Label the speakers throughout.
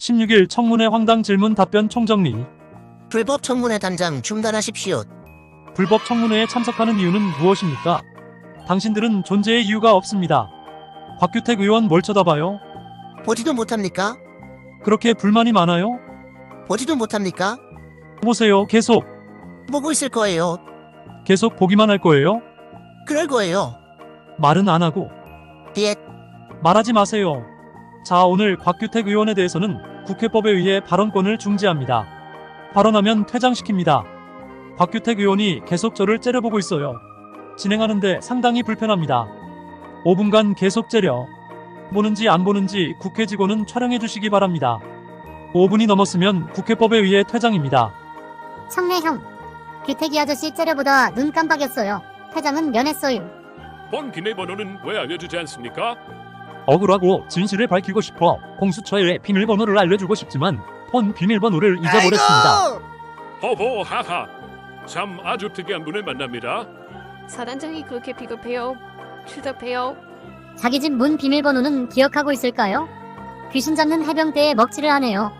Speaker 1: 16일 청문회 황당 질문 답변 총정리.
Speaker 2: 불법 청문회 단장 중단하십시오.
Speaker 1: 불법 청문회에 참석하는 이유는 무엇입니까? 당신들은 존재의 이유가 없습니다. 곽규택 의원 뭘 쳐다봐요?
Speaker 2: 보지도 못합니까?
Speaker 1: 그렇게 불만이 많아요?
Speaker 2: 보지도 못합니까?
Speaker 1: 보세요. 계속
Speaker 2: 보고 있을 거예요.
Speaker 1: 계속 보기만 할 거예요?
Speaker 2: 그럴 거예요.
Speaker 1: 말은 안 하고
Speaker 2: 비엣.
Speaker 1: 말하지 마세요. 자, 오늘 곽규택 의원에 대해서는 국회법에 의해 발언권을 중지합니다. 발언하면 퇴장시킵니다. 곽규택 의원이 계속 저를 째려보고 있어요. 진행하는데 상당히 불편합니다. 5분간 계속 째려. 보는지 안 보는지 국회 직원은 촬영해 주시기 바랍니다. 5분이 넘었으면 국회법에 의해 퇴장입니다.
Speaker 3: 청래형, 규택이 아저씨 째려보다 눈 깜빡였어요. 퇴장은 면했어요.
Speaker 4: 본 비밀번호는 왜 알려주지 않습니까?
Speaker 1: 억울하고 진실을 밝히고 싶어 공수처에 비밀번호를 알려주고 싶지만 폰 비밀번호를 잊어버렸습니다.
Speaker 4: 호호 하하. 참 아주 특이한 분을 만납니다.
Speaker 5: 사단장이 그렇게 비겁해요? 추잡해요?
Speaker 3: 자기 집 문 비밀번호는 기억하고 있을까요? 귀신 잡는 해병대에 먹칠을 하네요.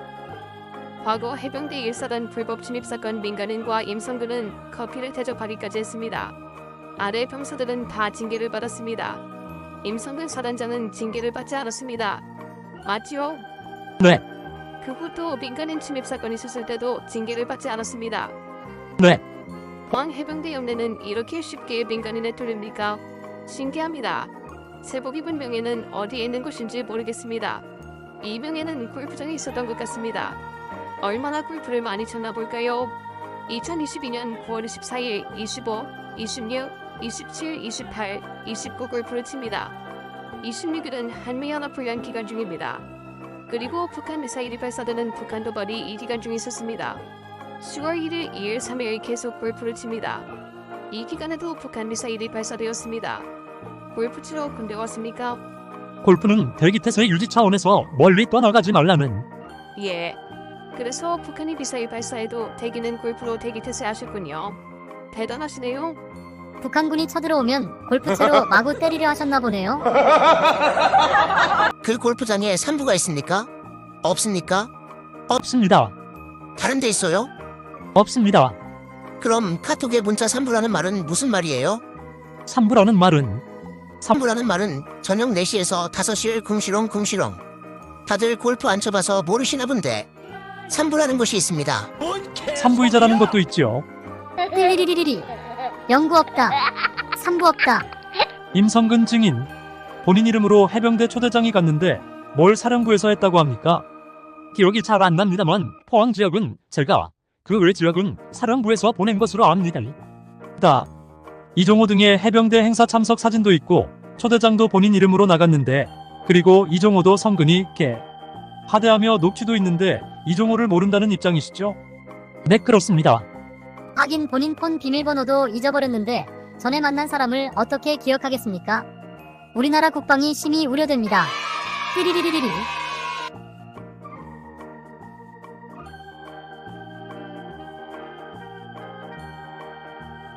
Speaker 5: 과거 해병대 1사단 불법 침입 사건 민간인과 임성근은 커피를 대접하기까지 했습니다. 아래 병사들은 다 징계를 받았습니다. 임성근 사단장은 징계를 받지 않았습니다. 맞지요?
Speaker 1: 네.
Speaker 5: 그 후도 민간인 침입 사건이 있었을 때도 징계를 받지 않았습니다.
Speaker 1: 네.
Speaker 5: 왕 해병대 연례는 이렇게 쉽게 민간인에 뚫립니까? 신기합니다. 제복 입은 명예는 어디에 있는 것인지 모르겠습니다. 이 명예는 골프장에 있었던 것 같습니다. 얼마나 골프를 많이 쳤나 볼까요? 2022년 9월 24일 25, 26, 27, 28, 29 골프를 칩니다. 26일은 한미연합훈련 기간 중입니다. 그리고 북한 미사일이 발사되는 북한 도발이 이 기간 중에 있었습니다. 10월 1일, 2일, 3일 계속 골프를 칩니다. 이 기간에도 북한 미사일이 발사되었습니다. 골프 치러 군대 왔습니까?
Speaker 1: 골프는 대기태세 유지 차원에서 멀리 떠나가지 말라는.
Speaker 5: 예. 그래서 북한이 미사일 발사해도 대기는 골프로 대기 태세하셨군요. 대단하시네요.
Speaker 3: 북한군이 쳐들어오면 골프채로 마구 때리려 하셨나 보네요.
Speaker 2: 그 골프장에 산부가 있습니까? 없습니까?
Speaker 1: 없습니다.
Speaker 2: 다른 데 있어요?
Speaker 1: 없습니다.
Speaker 2: 그럼 카톡에 문자 산부라는 말은 무슨 말이에요?
Speaker 1: 산부라는 말은
Speaker 2: 산부라는 말은 저녁 4시에서 5시를 궁시렁. 다들 골프 안 쳐봐서 모르시나 본데 산부라는 것이 있습니다.
Speaker 1: 산부이자라는 것도 있지요.
Speaker 3: 띠리리리리리. 연구 없다. 산부 없다.
Speaker 1: 임성근 증인. 본인 이름으로 해병대 초대장이 갔는데 뭘 사령부에서 했다고 합니까? 기억이 잘 안 납니다만 포항 지역은 제가, 그 외 지역은 사령부에서 보낸 것으로 압니다. 이종호 등의 해병대 행사 참석 사진도 있고 초대장도 본인 이름으로 나갔는데, 그리고 이종호도 성근이 하대하며 녹취도 있는데 이종호를 모른다는 입장이시죠? 네, 그렇습니다.
Speaker 3: 하긴 본인 폰 비밀번호도 잊어버렸는데 전에 만난 사람을 어떻게 기억하겠습니까? 우리나라 국방이 심히 우려됩니다. 띠리리리리리.